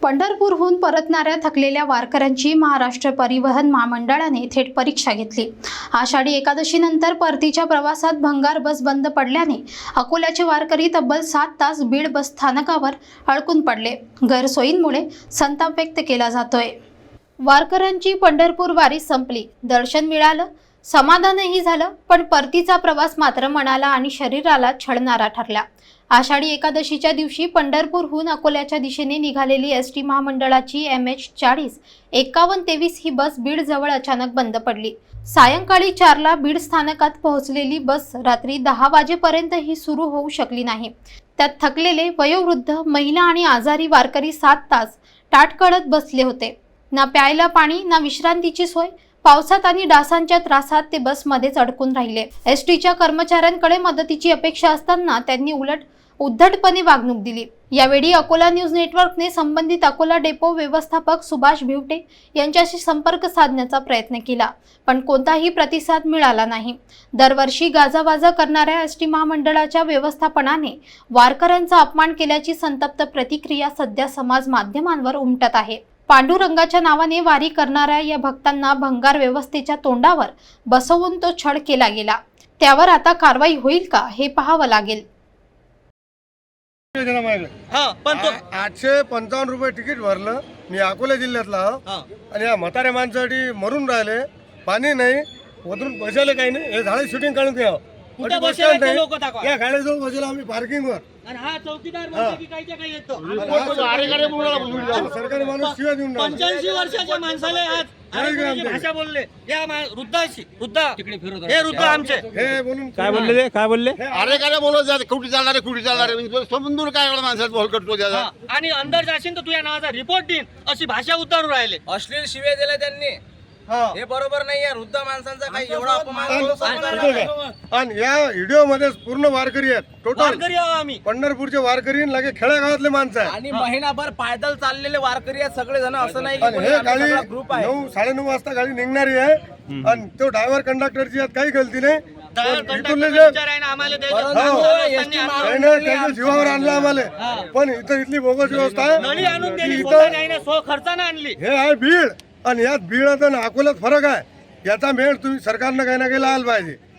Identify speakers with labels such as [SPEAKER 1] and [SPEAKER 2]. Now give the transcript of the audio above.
[SPEAKER 1] पंढरपूरहून परतणाऱ्या थकलेल्या वारकऱ्यांची महाराष्ट्र परिवहन महामंडळाने थेट परीक्षा घेतली। आषाढी एकादशीनंतर परतीच्या प्रवासात भंगार बस बंद पडल्याने अकोल्याचे वारकरी तब्बल 7 तास बीड बस स्थानकावर अडकून पडले। गैरसोयींमुळे संताप व्यक्त केला जातोय। वारकऱ्यांची पंढरपूर वारी संपली, दर्शन मिळालं, समाधानही झालं, पण परतीचा प्रवास मात्र मनाला आणि शरीराला छळणारा ठरला। आषाढी एकादशीच्या दिवशी पंढरपूरहून अकोल्याच्या दिशेने निघालेली एसटी महामंडळाची MH40 5123 ही बस बीड जवळ अचानक बंद पडली। सायंकाळी 4ला बीड स्थानकात पोहोचलेली बस रात्री 10 वाजेपर्यंतही सुरू होऊ शकली नाही। त्यात थकलेले वयोवृद्ध, महिला आणि आजारी वारकरी 7 तास टाटकळत बसले होते। ना प्यायला पाणी, ना विश्रांतीची सोय। पावसात आणि डासांच्या त्रासात ते बसमध्येच अडकून राहिले। एसटीच्या कर्मचाऱ्यांकडे मदतीची अपेक्षा असताना त्यांनी उलट उद्धटपणे वागणूक दिली। यावेळी अकोला न्यूज नेटवर्कने संबंधित अकोला डेपो व्यवस्थापक सुभाष भिवटे यांच्याशी संपर्क साधण्याचा प्रयत्न केला, पण कोणताही प्रतिसाद मिळाला नाही। दरवर्षी गाजावाजा करणाऱ्या एसटी महामंडळाच्या व्यवस्थापनाने वारकऱ्यांचा अपमान केल्याची संतप्त प्रतिक्रिया सध्या समाज माध्यमांवर उमटत आहे। पांडुरंगाच्या नावाने वारी करणाऱ्या या भक्तांना भंगार व्यवस्थेच्या तोंडावर बसवून तो छळ केला गेला। त्यावर आता कारवाई होईल का हे पाहावं लागेल।
[SPEAKER 2] 855 रुपये तिकीट भरलं। मी अकोला जिल्ह्यातला आणि या म्हाताऱ्या माणसासाठी मरून राहिले। पाणी नाही, वरून बसायला काही नाही। हे झाडे शूटिंग काढून द्यावं।
[SPEAKER 3] कुठे बसले लोक दाखवा।
[SPEAKER 2] या गाडीजवळ बसलो आम्ही पार्किंगवर।
[SPEAKER 3] आणि हा चौकीदार म्हणतो की काहीच्या काही येतो।
[SPEAKER 2] सरकारी माणूस शिवाय देऊन
[SPEAKER 3] 85 वर्षाच्या माणसाला आज भाषा बोलले। या वृद्धाशी हे वृद्ध आमचे
[SPEAKER 2] हे बोलून
[SPEAKER 4] काय बोलले ते? काय बोलले?
[SPEAKER 5] अरे काय बोलत जाते, कुठे चालणार समजून काय एवढा माणसात बॉल करतो त्याचा।
[SPEAKER 3] आणि अंदर जाशील तर तुझ्या नावाचा रिपोर्ट देईन अशी भाषा उतारू राहिले।
[SPEAKER 6] अश्लील शिवे दिले त्यांनी। हे बरोबर नाहीये। वृद्ध माणसांचा काही एवढा अपमान
[SPEAKER 2] आणि या व्हिडिओ मध्ये पूर्ण वारकरी आहेत। टोटल
[SPEAKER 3] वारकरी आहो आम्ही।
[SPEAKER 2] पंढरपूरचे वारकरी आणि लगे खेडेगावातले माणसं आहेत।
[SPEAKER 6] आणि महिनाभर पायदल चाललेले वारकरी आहेत सगळे जण। असं नाही
[SPEAKER 2] आणि हे गाडी
[SPEAKER 6] ग्रुप आहे।
[SPEAKER 2] 9 साडेनऊ वाजता गाडी निघणारी आहे आणि तो ड्रायव्हर कंडक्टरची यात काही गलती नाही। इथून जे
[SPEAKER 3] आम्हाला
[SPEAKER 2] त्याच्या जीवावर आणलं आम्हाला, पण इथं इथली बोगस व्यवस्था आहे।
[SPEAKER 3] नळी आणून दिली,
[SPEAKER 2] इथं
[SPEAKER 3] खर्चाने आणली।
[SPEAKER 2] हे आहे बीड आणि यात बीड आणि अकोल्यात फरक आहे। याचा मेळ तुम्ही सरकारनं काही ना काही लावला पाहिजे।